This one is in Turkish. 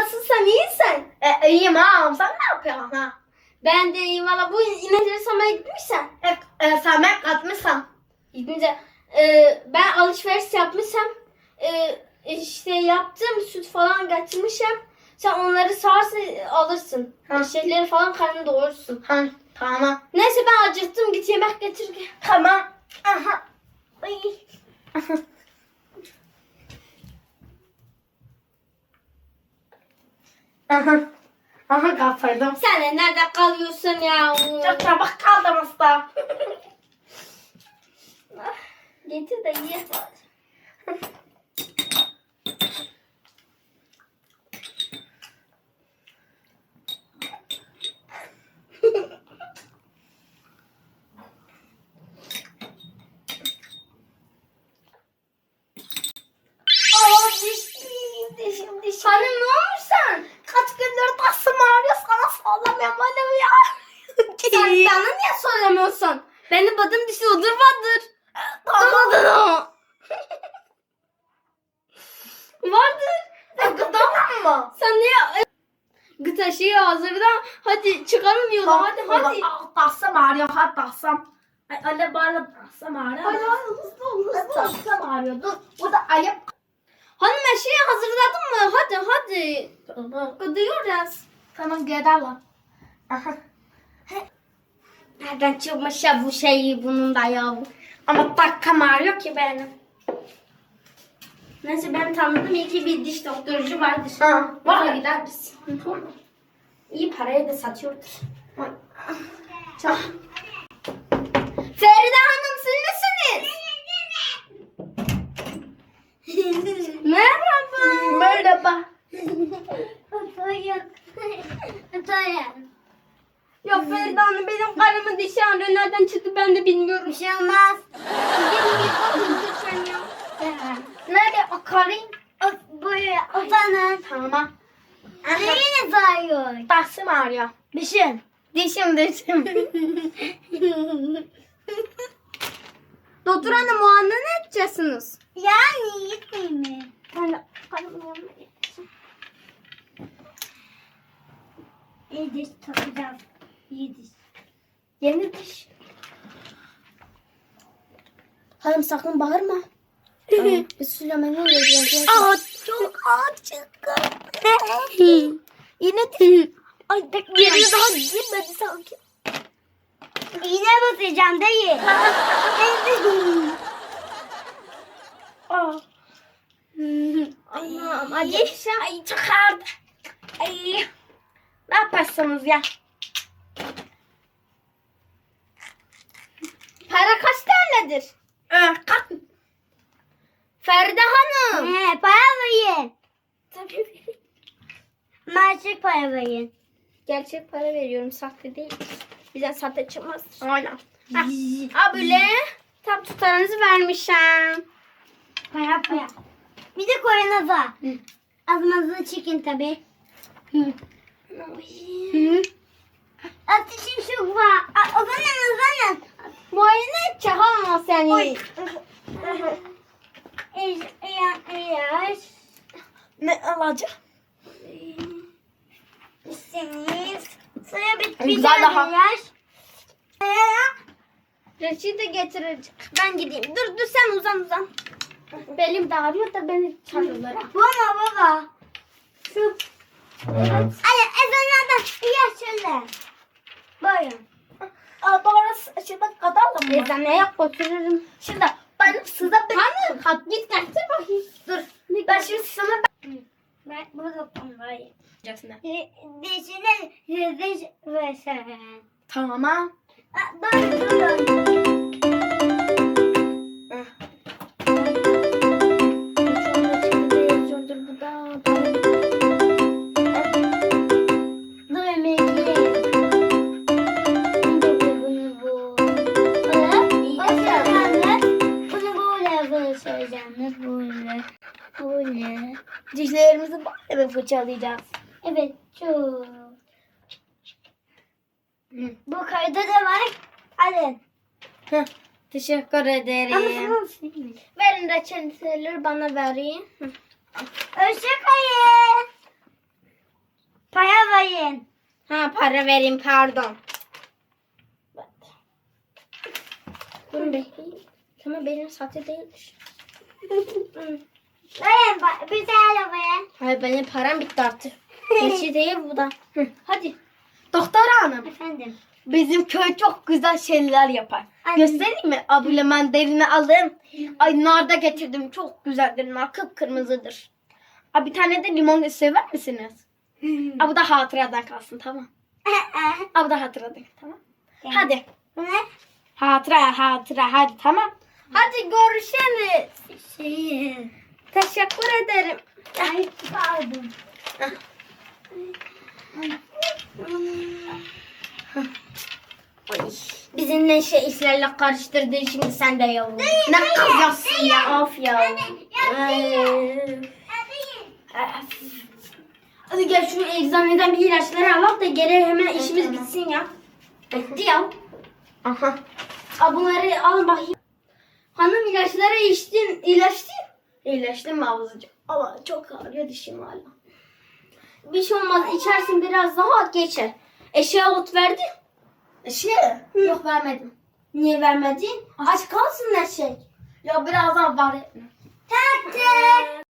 nasılsın, iyisin? İyiyim ha. Sen ne yapıyorsun ha? Ben de iyiyim valla. Bu inekleri samaya gitmişsen. Samet katmışsın. Gidince ben alışveriş yapmışsam işte yaptım, süt falan getirmişim. Sen onları sağarsın alırsın. Ha. Şeyleri falan karnını doyurursun. Ha, tamam. Neyse ben acıktım, git yemek getir. Tamam. Aha. Ay. Aha. Aha kapırdım. Sen de nerede kalıyorsun ya? Çok çabuk kaldım usta. Getir de ye. Dişim. Hanım ne olmuş sen? Kaç gündür tasım ağrıyor sana sallamıyorum annem ya. Sen bana niye söylemiyorsun? Benim adım dişi odur vardır. Tamam. Vardır. Tamam mı? Sen niye gıta şeyi hazırda? Hadi çıkarın yola, hadi. Tasım ağrıyor ha tasım. Ay öyle bana tasım ağrıyor. Hadi hızlı ol. Tasım ağrıyor dur. Bu da ayıp. Hanım eşeği hazırladın mı? Hadi. Gidiyoruz. Tamam gidelim. Aha. Nereden çıkmış ya bu şeyi bunun da ya? Ama takım ağrıyor ki benim. Neyse ben tanıdım, iyi ki bir diş doktorcu vardır. Ha, var. Oraya gideriz. İyi paraya da satıyordur. Çok. Feride Hanım siz misiniz? Merhaba. Merhaba. Yok Feride Hanım, benim karımın dişi ağrıyor. Nereden çıktı ben de bilmiyorum. Bir şey olmaz. Nerede o karın? Buraya otanın. Tamam. Neyiniz ağrıyor? Tasım ağrıyor. Dişim. Dişim. Doktor Hanım muayene ne edeceksiniz? Yani yetmeyeyim mi? Ben de karımın yanına gideceğim. İyi diş takacağız. İyi diş. Yeni diş. Hanım sakın bağırma. Biz Süleyman'ı vereceğiz. Çok acıktım. Yine diş. Ay Yerine daha girmedi sanki. İğne basacağım değil. Anam acıkışım. Ay çok ağrıdı. Ay. Ne yaparsınız ya? Para kaç tanedir? Kalk. Feride Hanım. Para verin. Tabii. Maaşlık para verin. Gerçek para veriyorum, sahte değil. Bize sahte çıkmaz. Aynen. Ha böyle tam tutarınızı vermişim. Para. Bir de koyunuza. Ağzınızı çekin tabii. Ateşim çok var. Uzanın. Muayene edecek ama seni. Yaş. Ne alacak? İsteniz. Sonra bir Güzel daha. yaş. Reçete getirecek. Ben gideyim. Dur sen uzan. Belim de ağrıyor da beni çağırıyorlar. Baba. Şu. Evet. Hadi ezanlardan yaş şöyle. Buyurun. Doğru şimdi kadalım mı? Eczaneye götürürüm. Şimdi ben size bir... Hanım kalk git getir bakayım. Dur. Ben şimdi sana... Ben burada konuşayım. Dişine. Dişine diş versen. Tamam. Dur. Dur emekli. Bunu böyle söyleyeceğim. Böyle. Dişlerimizi böyle fırçalayacağız. Evet çok. Bu kayda da var. Hadi. Teşekkür ederim. Ama Verin reçeteleri bana vereyim. Hoşçakalın. Ha para vereyim pardon. Durun bekleyin. Ama benim sahte değilmiş. Bize arabaya. Hayır benim param bitti artık. Geçi değil bu da. Hadi. Doktor hanım. Efendim. Bizim köy çok güzel şeyler yapar. Anne. Göstereyim mi? Abla mandalini aldım. Ay nar da getirdim. Çok güzeldir. Nar kıpkırmızıdır. Abi bir tane de limon sever misiniz? Abi bu da hatıradan kalsın tamam. Abi bu da hatıradan tamam. Hadi. Ne? Hatıra hadi tamam. Hadi görüşürüz. Şey. Teşekkür ederim. Ay pardon. Ay, bizimle işlerle karıştırdın şimdi sen de yavrum. Ne kızıyorsun ya of ya. Hadi gel şu eczaneden bir ilaçları alalım da geri hemen işimiz bitsin ya. Bitti ya. Aha. Bunları al bakayım. Hanım ilaçları içtin. İyileştim mi ablacığım? Ama çok ağrıyor dişim hala. Bir şey olmaz. İçersin biraz daha geçer. Eşeğe ot verdin. Eşeğe? Yok vermedim. Niye vermedin? Aç kalsın eşek. Ya birazdan var etme. Tatlı.